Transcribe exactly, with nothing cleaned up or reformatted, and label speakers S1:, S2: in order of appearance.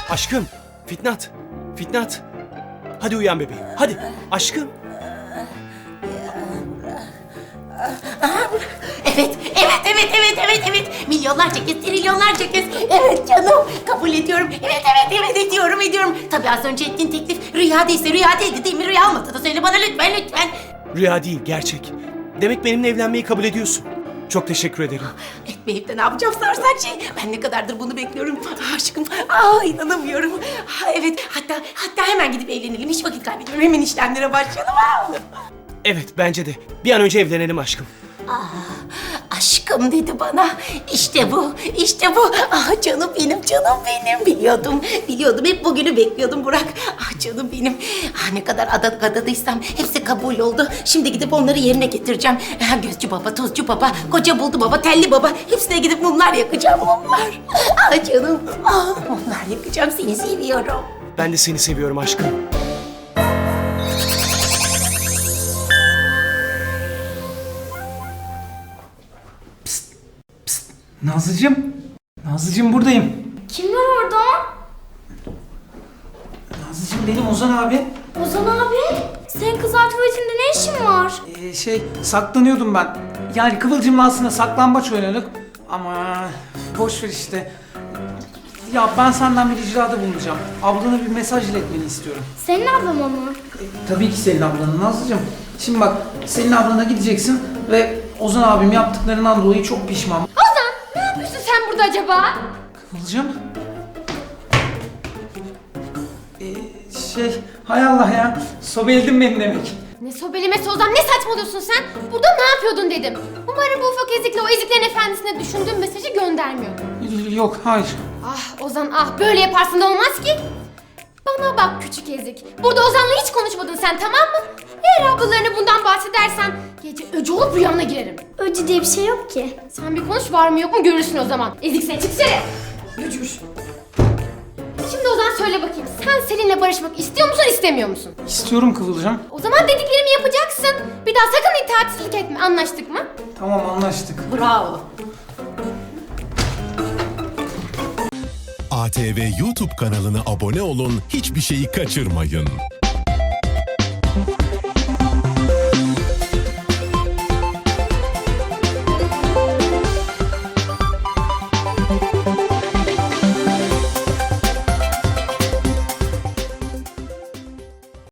S1: Aşkım, Fitnat, Fitnat. Hadi uyan bebeğim, hadi. Aşkım.
S2: Evet, evet, evet, evet, evet, evet. Milyonlarca kez, trilyonlarca kez. Evet canım, kabul ediyorum. Evet, evet, evet, ediyorum, ediyorum. Tabii az önce ettiğin teklif rüya değilse rüya değildi değil mi? Rüya olmasa da söyle bana lütfen, lütfen.
S1: Rüya değil, gerçek. Demek benimle evlenmeyi kabul ediyorsun. Çok teşekkür ederim.
S2: Etmeyip de ne yapacağım sorsan şey. Ben ne kadardır bunu bekliyorum. Ah, aşkım, aa inanamıyorum. Ha, evet, hatta hatta hemen gidip evlenelim. Hiç vakit kaybetmiyorum. Hemen işlemlere başlayalım. Ha.
S1: Evet, bence de. Bir an önce evlenelim aşkım.
S2: Aşkım dedi bana. İşte bu, işte bu. Ah canım benim, canım benim. Biliyordum, biliyordum. Hep bugünü bekliyordum Burak. Ah canım benim. Ah ne kadar adat adadıysam hepsi kabul oldu. Şimdi gidip onları yerine getireceğim. Ah, gözcü baba, tozcu baba, koca buldu baba, telli baba. Hepsine gidip mumlar yakacağım, mumlar. Ah canım, ah mumlar yakacağım. Seni seviyorum.
S1: Ben de seni seviyorum aşkım.
S3: Nazlıcığım. Nazlıcığım buradayım.
S4: Kim var orada?
S3: Nazlıcığım benim Ozan abi.
S4: Ozan abi. Senin kızlar tuvaletinde ne işin var?
S3: Ee, şey saklanıyordum ben. Yani Kıvılcım'la aslında saklambaç oynadık. Ama boş ver işte. Ya ben senden bir ricada bulunacağım. Ablana bir mesaj iletmeni istiyorum.
S4: Senin ablam o mu?
S3: E, tabii ki senin ablanın Nazlıcığım. Şimdi bak senin ablana gideceksin ve Ozan abim yaptıklarından dolayı çok pişman.
S4: Ozan ne yapıyorsun sen burada acaba?
S3: Kıvılcım. Ee, şey hay Allah ya sobeledin beni demek.
S4: Ne sobelemesi Ozan, ne saçmalıyorsun sen? Burada ne yapıyordun dedim. Umarım bu ufak ezikle o eziklerin efendisine düşündüğün mesajı göndermiyordun.
S3: Yok hayır.
S4: Ah Ozan ah, böyle yaparsın da olmaz ki. Bana bak küçük ezik. Burada Ozan'la hiç konuşmadın sen, tamam mı? Eğer ablalarına bundan bahsedersen gece öcü olup rüyana girerim.
S5: Öcü diye bir şey yok ki.
S4: Sen bir konuş, var mı yok mu görürsün o zaman. Ezik sen, çıksana. Öcür. Şimdi Ozan söyle bakayım, sen Selin'le barışmak istiyor musun istemiyor musun?
S3: İstiyorum Kıvılcım.
S4: O zaman dediklerimi yapacaksın. Bir daha sakın itaatsizlik etme, anlaştık mı?
S3: Tamam anlaştık.
S2: Bravo.
S6: A T V YouTube kanalına abone olun, hiçbir şeyi kaçırmayın.